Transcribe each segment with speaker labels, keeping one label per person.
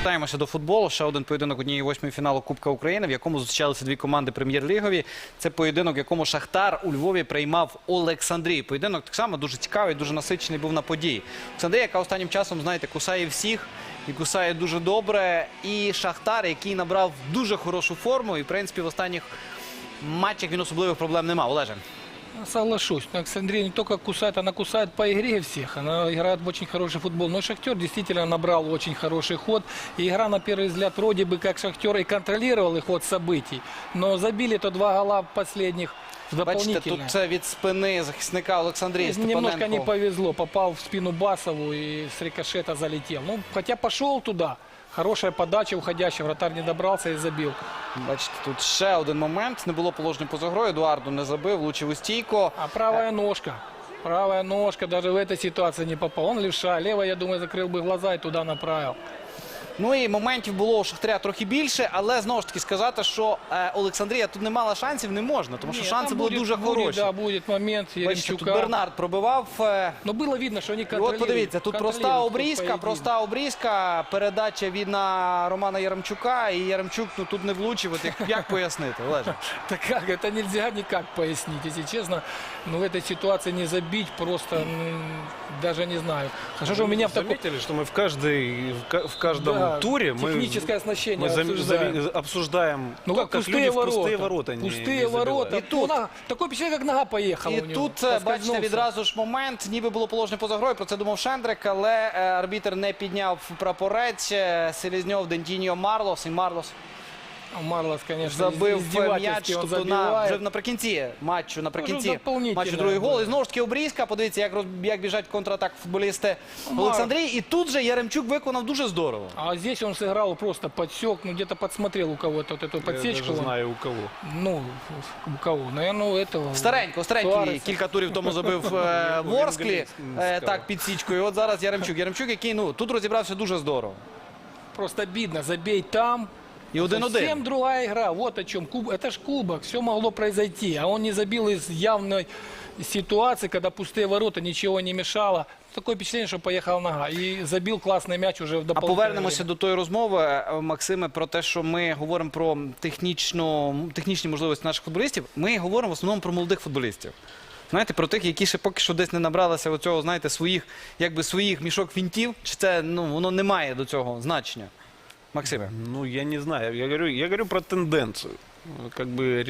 Speaker 1: Повертаємося до футболу. Ще один поєдинок однієї восьмої фіналу Кубка України, в якому зустрічалися дві команди прем'єр-лігові. Це поєдинок, в якому Шахтар у Львові приймав Олександрію. Поєдинок так само дуже цікавий, дуже насичений був на події. Олександрія, яка останнім часом, знаєте, кусає всіх і кусає дуже добре. І Шахтар, який набрав дуже хорошу форму і, в принципі, в останніх матчах він особливих проблем не мав. Олеже.
Speaker 2: Соглашусь. Александрия не только кусает, она кусает по игре всех. Она играет в очень хороший футбол. Но Шахтер действительно набрал очень хороший ход. И игра, на первый взгляд, вроде бы как Шахтер и контролировал и ход событий. Но забили-то два гола последних
Speaker 1: Бачите,
Speaker 2: дополнительно.
Speaker 1: тут це від спини захисника Олександрії
Speaker 2: Немножко не
Speaker 1: Степаненко.
Speaker 2: повезло. Попал в спину Басову и с рикошета залетел. Ну, хотя пошел туда. Хорошая подача уходящая. Вратарь не добрался и забил.
Speaker 1: Бачите, тут ще один момент. Не було положення поза грою. Едуарду не забив, влучив у стійку.
Speaker 2: А правая ножка. Правая ножка даже в этой ситуации не попал. Он левша. Левая, я думаю, закрыл бы глаза и туда направил.
Speaker 1: Ну і моментів було у Шахтаря трохи більше, але знову ж таки сказати, що Олександрія тут не мала шансів, не можна, тому що
Speaker 2: Нет,
Speaker 1: шанси
Speaker 2: там
Speaker 1: були
Speaker 2: будет,
Speaker 1: дуже хороші.
Speaker 2: Да, будет момент
Speaker 1: Бачите, тут
Speaker 2: Яремчука.
Speaker 1: Бернард пробивав.
Speaker 2: Но было видно, что они
Speaker 1: І от
Speaker 2: контролируют.
Speaker 1: подивіться, тут проста обрізка, передача від на Романа Яремчука, і Яремчук тут не влучив. От як пояснити, Олеже?
Speaker 2: Так как? Это нельзя никак пояснить, если честно. Но в этой ситуации не забить просто, даже не знаю. Хорошо, что у меня в таком...
Speaker 3: Заметили, что мы в каждом
Speaker 2: Да,
Speaker 3: туре
Speaker 2: техническое оснащение
Speaker 3: мы
Speaker 2: обсуждаем.
Speaker 3: обсуждаем
Speaker 2: Ну
Speaker 3: то,
Speaker 2: как
Speaker 3: как
Speaker 2: пустые
Speaker 3: люди в
Speaker 2: ворота.
Speaker 3: пустые ворота
Speaker 2: Пустые ворота.
Speaker 1: И тут-
Speaker 2: Такое впечатление, как нога поехала
Speaker 1: І
Speaker 2: у него.
Speaker 1: тут, бачите,
Speaker 2: Поскользнулся.
Speaker 1: відразу ж момент, ніби було положення поза грою, про це думав Шендрик, але арбітр не підняв прапорець. Селезньов, Дентіньо, Марлос, і Марлос
Speaker 2: Марлос, конечно,
Speaker 1: забив
Speaker 2: издевательски
Speaker 1: м'яч,
Speaker 2: он
Speaker 1: тобто
Speaker 2: забивает.
Speaker 1: вже наприкінці матчу,
Speaker 2: дополнительно,
Speaker 1: матчу другий гол.
Speaker 2: да.
Speaker 1: І знову ж таки обрізка, подивіться, як біжать в контратак футболісти
Speaker 2: Мар-
Speaker 1: Олександрії. І тут же Яремчук виконав дуже здорово.
Speaker 2: А здесь он сыграл, просто подсек, ну где-то подсмотрел у кого-то вот эту
Speaker 3: Я
Speaker 2: подсечку.
Speaker 3: даже
Speaker 2: он.
Speaker 3: знаю у кого.
Speaker 2: Ну, у кого? Наверное, у этого.
Speaker 1: Старенько,
Speaker 2: Суареса.
Speaker 1: кілька турів тому забив Ворсклі,
Speaker 3: Венгрійський
Speaker 1: так, під січкою. От зараз Яремчук. Яремчук, який, тут розібрався дуже здорово.
Speaker 2: Просто обидно, забей там.
Speaker 1: І 1-1.
Speaker 2: Совсем другая игра. Вот о чем. Это ж кубок, все могло произойти. А он не забил из явной ситуации, когда пустые ворота, ничего не мешало. Такое впечатление, что поехала нога. И забил классный мяч уже в
Speaker 1: А
Speaker 2: дополнительное
Speaker 1: повернемося
Speaker 2: время.
Speaker 1: до тої розмови, Максиме, про те, що ми говоримо про технічні можливості наших футболістів. Ми говоримо в основному про молодих футболістів. Знаєте, про тих, які ще поки що десь не набралися оцього, знаєте, своїх мішок фінтів, чи це, воно не має до цього значення. Максиме.
Speaker 3: Ну, я не знаю. Я говорю про тенденцию. Как бы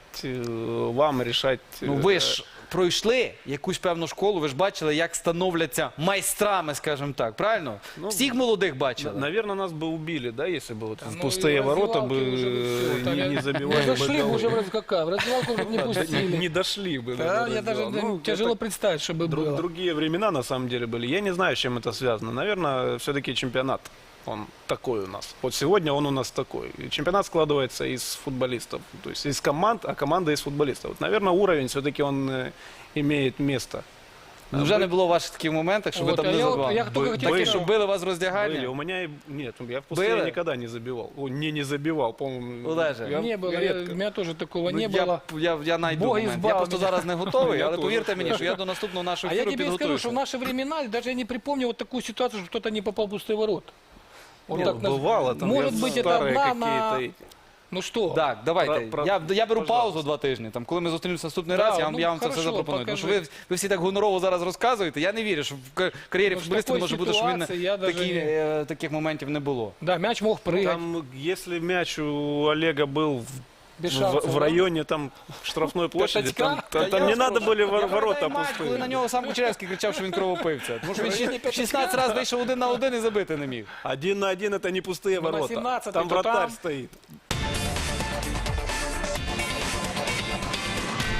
Speaker 3: вам решать.
Speaker 1: Ви ж пройшли якусь певну школу, ви ж бачили, як становляться майстрами, скажімо так, правильно?
Speaker 3: Ну,
Speaker 1: Всіх молодих бачили.
Speaker 3: Наверное, нас бы убили, да, если бы вот
Speaker 2: Да,
Speaker 3: в
Speaker 2: ну,
Speaker 3: пустые
Speaker 2: и
Speaker 3: ворота
Speaker 2: раздевалки
Speaker 3: бы
Speaker 2: уже бы всё,
Speaker 3: не
Speaker 2: там
Speaker 3: забивали
Speaker 2: Мы
Speaker 3: бы
Speaker 2: зашли бы
Speaker 3: голы.
Speaker 2: уже в раздевалку, в раздевалку уже бы не пустили.
Speaker 3: Не дошли бы.
Speaker 2: Да,
Speaker 3: наверное,
Speaker 2: я даже
Speaker 3: дело. Ну,
Speaker 2: тяжело
Speaker 3: это
Speaker 2: представить, чтобы было.
Speaker 3: Другие времена на самом деле были. Я не знаю, с чем это связано. Наверное, все-таки чемпионат. Он такой у нас. Вот сегодня он у нас такой. И чемпионат складывается из футболистов. То есть из команд, а команда из футболистов. Вот, наверное, уровень все-таки он имеет место.
Speaker 1: Вже не було ваших таких моментів, що ви
Speaker 2: От,
Speaker 1: там
Speaker 2: а
Speaker 1: не
Speaker 2: я от-
Speaker 1: забивали?
Speaker 2: я тільки хотів
Speaker 1: Такі,
Speaker 2: сказати,
Speaker 1: що били вас в роздягальні?
Speaker 3: Были. У меня нет, я в пустыне
Speaker 1: Было?
Speaker 3: никогда не забивал. Не забивал, по-моему.
Speaker 1: Олеже.
Speaker 2: Не было,
Speaker 3: редко.
Speaker 2: у меня тоже такого
Speaker 1: Ну,
Speaker 2: не было.
Speaker 1: я найду
Speaker 2: Бог
Speaker 1: момент.
Speaker 2: избав
Speaker 1: Я просто
Speaker 2: мене.
Speaker 1: зараз не готовий,
Speaker 3: Я
Speaker 1: але
Speaker 3: теж.
Speaker 1: повірте мені, що я до наступного нашого
Speaker 2: А я
Speaker 1: ефіру
Speaker 2: тебе скажу,
Speaker 1: підготуюся.
Speaker 2: что в наши времена даже я не припомню вот такую ситуацию, что кто-то не попал в пустые ворота. Вот
Speaker 3: Ну,
Speaker 2: так
Speaker 3: бывало, там
Speaker 2: Может
Speaker 3: я
Speaker 2: быть, это
Speaker 3: старые
Speaker 2: одна на...
Speaker 3: какие-то.
Speaker 2: Ну что?
Speaker 1: Так, давайте.
Speaker 3: Про-
Speaker 1: Я беру
Speaker 3: пожалуйста.
Speaker 1: паузу 2 тижні. Там, коли ми зустрінемося наступний
Speaker 2: Да,
Speaker 1: раз, я
Speaker 2: ну,
Speaker 1: вам це все
Speaker 2: хорошо,
Speaker 1: запропоную. Тому що
Speaker 2: покажи.
Speaker 1: ви всі так гонорово зараз розказуєте. Я не вірю, що в кар'єрі
Speaker 2: Ну, в
Speaker 1: футболіста не
Speaker 2: такій
Speaker 1: може бути, що він
Speaker 2: ситуації я даже
Speaker 1: таких моментів не було.
Speaker 2: Да, мяч мог прыгать.
Speaker 3: Там, если мяч у Олега был
Speaker 2: Без
Speaker 3: в
Speaker 2: шансов,
Speaker 3: районе там штрафной площади,
Speaker 2: Пятачка?
Speaker 3: там не надо были
Speaker 1: Я
Speaker 3: ворота
Speaker 1: пам'ятаю матч, коли на
Speaker 3: пустые.
Speaker 1: нього сам Кучеревський кричав, що він кровопивця. Тому що він 16 разів вийшов 1 на 1 і забити не міг.
Speaker 3: 1 на 1 это не пустые
Speaker 2: Ну, на
Speaker 3: ворота.
Speaker 2: 17-й,
Speaker 3: Там
Speaker 2: то
Speaker 3: вратарь
Speaker 2: там.
Speaker 3: стоит.